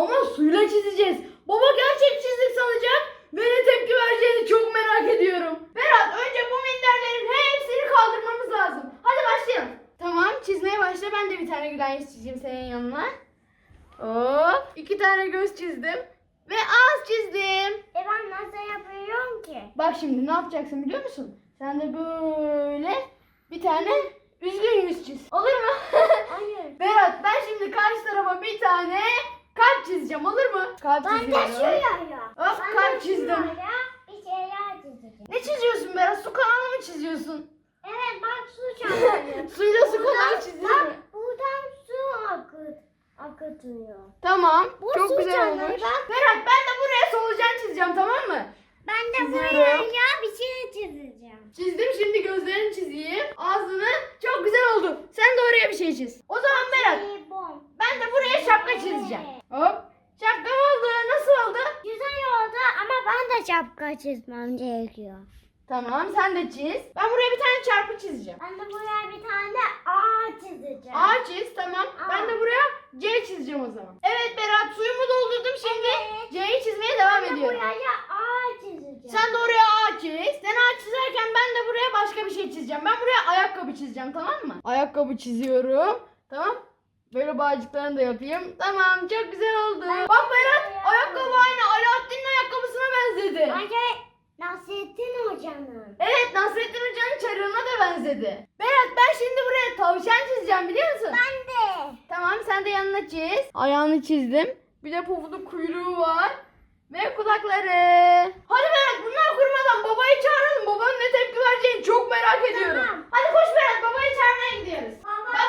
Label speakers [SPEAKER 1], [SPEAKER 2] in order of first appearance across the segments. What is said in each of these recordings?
[SPEAKER 1] Ama suyla çizeceğiz. Baba gerçek çizdik sanacak ve ne tepki vereceğini çok merak ediyorum. Berat, önce bu minderlerin hepsini kaldırmamız lazım. Hadi başlayalım. Tamam, çizmeye başla. Ben de bir tane gülen yüz çizeyim senin yanına. Hop, 2 tane göz çizdim. Ve ağız çizdim.
[SPEAKER 2] Ben nasıl yapıyorum ki?
[SPEAKER 1] Bak şimdi ne yapacaksın biliyor musun? Sen de böyle bir tane üzgün yüz çiz. Olur mu?
[SPEAKER 2] Hayır.
[SPEAKER 1] Berat, ben şimdi karşı tarafa bir tane kalp çizeceğim, olur mu? Kalp
[SPEAKER 2] Ben de
[SPEAKER 1] çiziyorum.
[SPEAKER 2] şuraya.
[SPEAKER 1] Hop,
[SPEAKER 2] Ben
[SPEAKER 1] kalp
[SPEAKER 2] de
[SPEAKER 1] çizdim.
[SPEAKER 2] şuraya bir şeyler çizeceğim.
[SPEAKER 1] Ne çiziyorsun Berat? Su kanalı mı çiziyorsun?
[SPEAKER 2] Evet bak su çarpıyor.
[SPEAKER 1] Suyla su kanalı çiziyorum.
[SPEAKER 2] Bak buradan su akıtıyor.
[SPEAKER 1] Tamam,
[SPEAKER 2] Bu
[SPEAKER 1] çok
[SPEAKER 2] su
[SPEAKER 1] güzel
[SPEAKER 2] kanalı
[SPEAKER 1] olmuş.
[SPEAKER 2] bak.
[SPEAKER 1] Berat, ben de buraya solucan çizeceğim, tamam mı?
[SPEAKER 2] Ben de
[SPEAKER 1] Çiziyorum.
[SPEAKER 2] buraya bir şey çizeceğim.
[SPEAKER 1] Çizdim, şimdi gözlerini çizeyim. Ağzını. Çok güzel oldu. Sen de oraya bir şey çiz. O zaman Berat,
[SPEAKER 2] Bom.
[SPEAKER 1] ben de buraya şapka çizeceğim. Hop. Şapka oldu. Nasıl oldu?
[SPEAKER 2] Güzel oldu ama ben de şapka çizmem gerekiyor.
[SPEAKER 1] Tamam, sen de çiz. Ben buraya bir tane çarpı çizeceğim.
[SPEAKER 2] Ben de buraya bir tane A çizeceğim.
[SPEAKER 1] A çiz, tamam. Ben de buraya C çizeceğim o zaman. Evet Berat, suyumu doldurdum şimdi.
[SPEAKER 2] Evet.
[SPEAKER 1] C'yi çizmeye devam
[SPEAKER 2] Ben de
[SPEAKER 1] ediyorum.
[SPEAKER 2] buraya A çizeceğim.
[SPEAKER 1] Sen de oraya A çiz. Sen A çizerken ben de buraya başka bir şey çizeceğim. Ben buraya ayakkabı çizeceğim, tamam mı? Ayakkabı çiziyorum. Tamam. Böyle bağcıklarını da yapayım. Tamam, çok güzel oldu. Bak Berat, ayakkabı aynı Alaaddin'in ayakkabısına benzedi.
[SPEAKER 2] Bence Nasrettin Hoca'nın.
[SPEAKER 1] Evet, Nasrettin Hoca'nın çarığına da benzedi. Berat, ben şimdi buraya tavşan çizeceğim, biliyor musun?
[SPEAKER 2] Ben de.
[SPEAKER 1] Tamam, sen de yanına çiz. Ayağını çizdim. Bir de pofuduk kuyruğu var. Ve kulakları. Hadi Berat, bunlar kurumadan babayı çağıralım. Babanın ne tepki vereceğini çok merak ediyorum.
[SPEAKER 2] Tamam.
[SPEAKER 1] Hadi koş Berat, babayı çağırmaya gidiyoruz. Baba!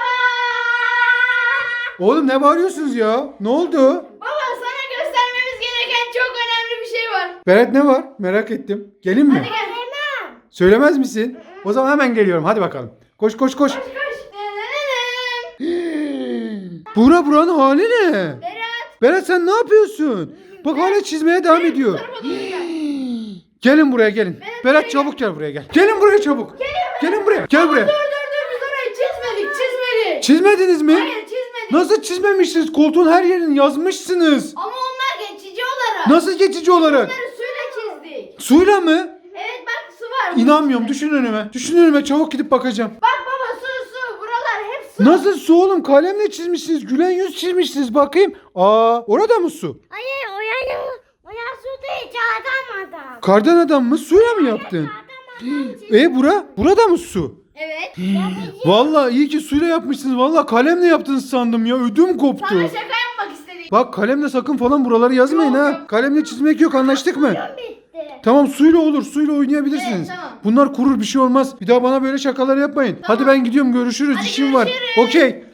[SPEAKER 3] Oğlum ne bağırıyorsunuz ya? Ne oldu?
[SPEAKER 1] Baba, sana göstermemiz gereken çok önemli bir şey var.
[SPEAKER 3] Berat ne var? Merak ettim. Gelin mi?
[SPEAKER 1] Hadi gel.
[SPEAKER 2] Hemen.
[SPEAKER 3] Söylemez misin? O zaman hemen geliyorum. Hadi bakalım. Koş koş koş.
[SPEAKER 1] Koş koş.
[SPEAKER 3] Buranın hali ne?
[SPEAKER 1] Berat.
[SPEAKER 3] Berat sen ne yapıyorsun? Bak hala çizmeye devam ediyor.
[SPEAKER 1] Bu tarafa doğru gel.
[SPEAKER 3] Gelin buraya gelin. Berat çabuk gel buraya gel. Gelin buraya çabuk. Gelin buraya. Gel buraya.
[SPEAKER 1] Dur biz orayı çizmedik.
[SPEAKER 3] Çizmediniz mi?
[SPEAKER 1] Hayır, çizmedik.
[SPEAKER 3] Nasıl çizmemişsiniz? Koltuğun her yerini yazmışsınız.
[SPEAKER 1] Ama onlar geçici olarak.
[SPEAKER 3] Nasıl geçici olarak?
[SPEAKER 1] Onları suyla çizdik.
[SPEAKER 3] Suyla mı?
[SPEAKER 1] Evet bak, su var.
[SPEAKER 3] İnanmıyorum.
[SPEAKER 1] içinde.
[SPEAKER 3] Düşün önüme. Düşün önüme. Çabuk gidip bakacağım.
[SPEAKER 1] Bak baba, su. Buralar hep su.
[SPEAKER 3] Nasıl su oğlum? Kalemle çizmişsiniz. Gülen yüz çizmişsiniz. Bakayım. Orada mı su?
[SPEAKER 2] Hayır o ya su değil çağırdan adam.
[SPEAKER 3] Kardan adam mı? Suyla mı yaptın? Burada mı su?
[SPEAKER 1] Evet.
[SPEAKER 3] Vallahi iyi ki suyla yapmışsınız. Vallahi kalemle yaptınız sandım ya. Ödüm koptu.
[SPEAKER 1] Sana şaka yapmak istedim.
[SPEAKER 3] Bak kalemle sakın falan buraları yazmayın
[SPEAKER 1] Yok,
[SPEAKER 3] ha.
[SPEAKER 1] yok.
[SPEAKER 3] Kalemle çizmek yok, anlaştık mı?
[SPEAKER 2] Bitti.
[SPEAKER 3] Tamam, suyla olur. Suyla oynayabilirsiniz.
[SPEAKER 1] Evet, tamam.
[SPEAKER 3] Bunlar kurur, bir şey olmaz. Bir daha bana böyle şakalar yapmayın. Hadi ben gidiyorum, görüşürüz.
[SPEAKER 1] Hadi
[SPEAKER 3] İşim var.
[SPEAKER 1] görüşürüz.
[SPEAKER 3] Okey.